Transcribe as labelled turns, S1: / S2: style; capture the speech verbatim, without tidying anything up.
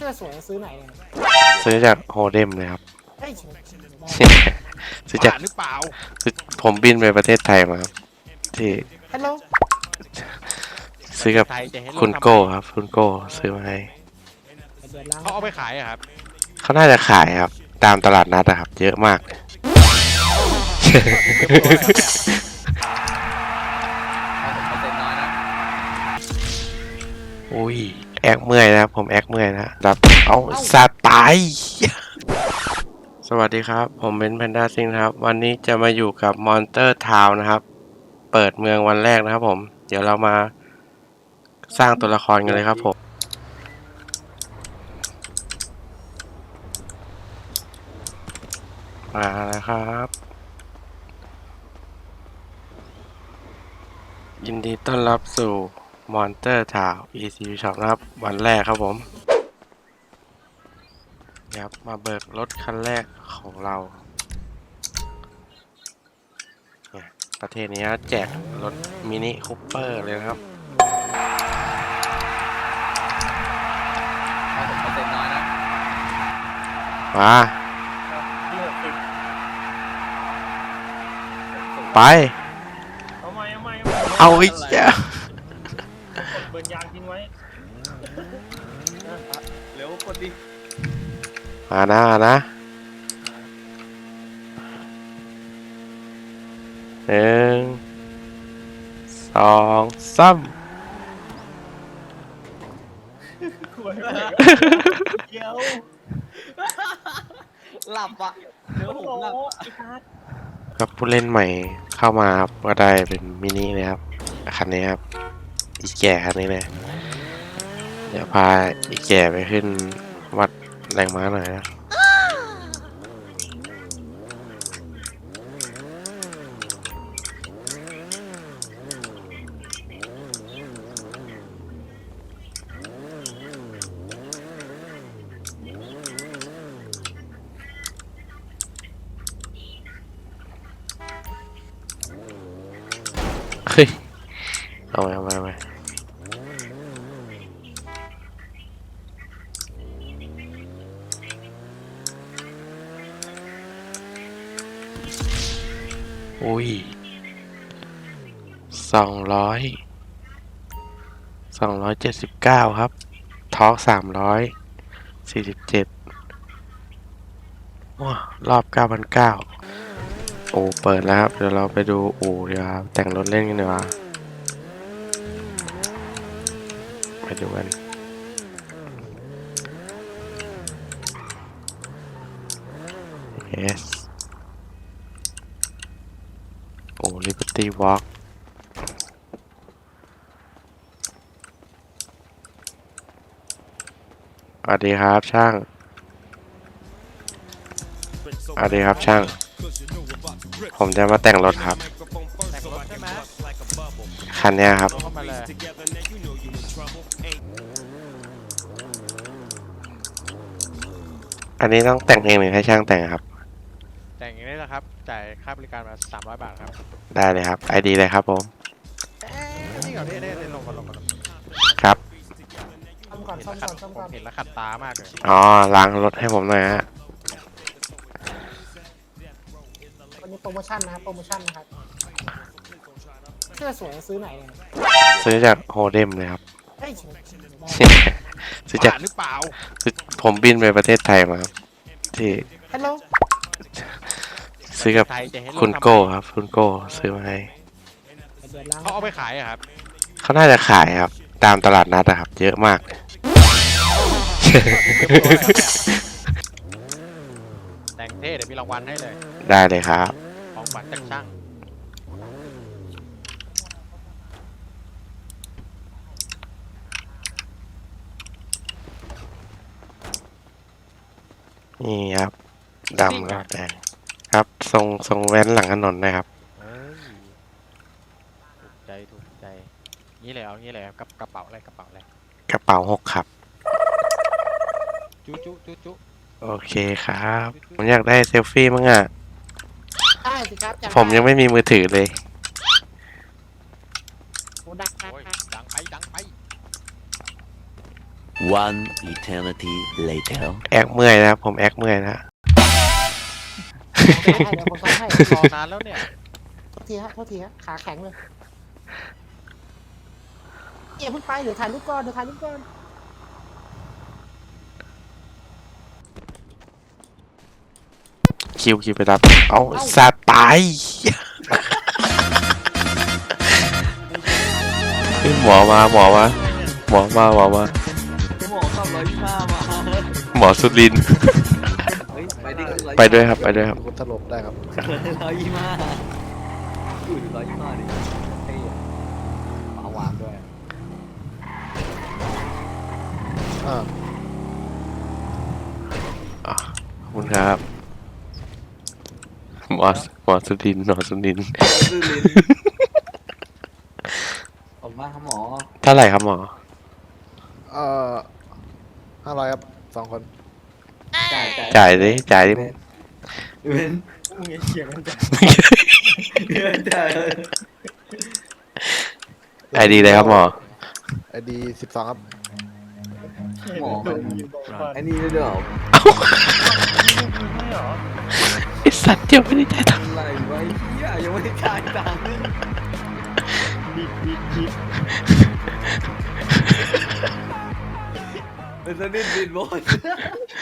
S1: สื้อสวยซื้อไหนเนี่ย
S2: ซื้อจากโฮเดมเลยครับ
S1: เฮ้ย
S2: ซื้อจาก
S3: หรือเปล่า
S2: ผมบินไปประเทศไทยมาครับที่
S1: ฮัลโหล
S2: ซื้อกับคุณโก้ครับคุณโก้ซื้อมาให้
S3: เขาเอาไปขายอะครับ
S2: เขาน่าจะขายครับตามตลาดนัดอะครับเยอะมากอุ้ยแอกเมื่อยนะครับผมแอกเมื่อยนะรับเอาสัตว์ตายสวัสดีครับผมเป็นแพนด้าซิงครับวันนี้จะมาอยู่กับมอนเตอร์ทาวน์นะครับเปิดเมืองวันแรกนะครับผมเดี๋ยวเรามาสร้างตัวละครกันเลยครับผมมาแล้วครับยินดีต้อนรับสู่มอนเตอร์ทาวน์ อี ซี Shop นะครับวันแรกครับผมครับมาเบิกรถคันแรกของเราประเทศนี้แจกรถมินิคูเปอร์เลยนะครับมาไปเอาอีกแล้ว
S4: เบิร์นยางทิ้งไว้เร็วกดดิ
S2: มานะมานะหนึ่งสองสาม
S4: เดี๋ยวหลับอ่ะเดี๋ยวผมหลับ
S2: ครับผู้เล่นใหม่เข้ามาครับก็ได้เป็นมินิเลยครับคันนี้ครับอีแก่คันนี้เลยเดี๋ยวพาอีแก่ไปขึ้นวัดแรงม้าหน่อยนะเฮ้ยเอาไปเอาไปเอาไปอุ้ยสองร้อยสองร้อยเจ็ดสิบเก้าครับทอร์กสามร้อยสี่สิบเจ็ดว้ารอบเก้าพันเก้าโอ้เปิดแล้วครับเดี๋ยวเราไปดูอู่ดีครับแต่งรถเล่นกันดีกว่าไปดูกัน yes โอ้ Liberty Walk สวัสดีครับช่างสวัสดีครับช่างผมจะมาแต่งรถครับคันนี้ครับอันนี้ต้องแต่งเองหรือให้ช่างแต่งครับ
S3: แต่งอย่างนี้นะครับจ่ายค่าบริการมาสามร้อยบาทครับ
S2: ได้เลยครับ ไอ ดี เลยครับผม
S3: นี่ก่อนนี่นี่ลงก่อนลงก่อน
S2: ครับ
S1: ซ่อมก่อนซ่อมก่อนซ่อมก่อน
S3: เห็นแล้วขัดตามากเลย
S2: อ๋อล้างรถให้ผมหน่อยฮะ
S1: วันนี้โปรโมชั่นนะครับโปรโมชั่นนะครับเสื้อสวยซื้อไหนเนี่ย
S2: ซื้อจากโฮเดมเลยครับ
S1: เฮ้ย
S2: ซื้อจาก
S3: หรือเปล่า
S2: ผมบินไปประเทศไทยมาครับที่
S1: ฮัลโหล
S2: ซื้อกับคุณโก้ครับคุณโก้ซื้อมาให้
S3: เขาเอาไปขายอะครับ
S2: เขาน่าจะขายครับตามตลาดนัดอะครับเยอะมาก
S3: แต่งเท่เดี๋ยวมีรางวัลให้เลย
S2: ได้เลยครับ
S3: ของขวัญจากช่าง
S2: นี่ครับดำแล้วแดงครับทรงทรงแว้นหลังถนนนะครับ
S3: ถูกใจถูกใจนี่เลยเอางี้เลยกับกระเป๋าอะไรกระเป๋าอะไร
S2: กระเป๋าหกครับ
S3: จุ๊จุ๊จุ๊จุ๊
S2: โอเคครับผมอยากได้เซลฟี่มั้งอ่ะ
S1: ได้สิครับ
S2: ผมยังไม่มีมือถือเลย
S1: โอ้ดังดัง
S3: ดังไปดังไป
S5: One eternity later.
S2: แอกเมื่อยนะครับผมแอกเมื่อยนะ
S1: ให้เดี๋ยวผมซ้อมให้
S3: รอนานแล้วเนี่ย
S1: โทษทีฮะโทษทีฮะขาแข็งเลยเดี๋ยวเพิ่งไปเดี๋ยวถ่ายรูปก่อนเดี๋ยวถ่ายรูปก่อน
S2: คิวคิวไปรับเอาสัตว์ตายเฮ้ยหมอมาหมอมาหมอมาหมอมา
S4: หมอขับร้อยยี่ห้ามา
S2: หมอสุรินทร์
S4: เฮ้ยไปดิ
S2: ไปด้วยครับไปด้วยครับ
S6: ถล่มได้ครับ
S4: ร้อยยี่ห้าอยู่ร้อยยี่ห้าดิเฮ้ย
S6: มาวางด้วยอ่า
S2: อ่ะขอบคุณครับหมอหมอสุรินทร์หมอสุรินทร์
S4: ซื่อลิ้นขอบคุณมากครับหมอ
S2: เท่าไหร่ครับหมอ
S6: เอ่อห้าร้อยครับสองคน
S4: จ่ายจ่าย
S2: จ่ายดิจ่ายดิ
S4: เว้นมึงอย่าเฉียงกันจ่ายเว้นจ่าย
S2: ไอดีเลยครับหมอ
S6: ไอดีสิบสองครับ
S4: หมอไอ้นี่ด้วยเหรอ
S2: ไอสัตว์เดียวไม่ได้จ่ายตังค์
S4: อะไรไว้เหี้ยยังไม่ได้จ่ายตังค์บิดบิดบิดเป็นสนิทบิดบอส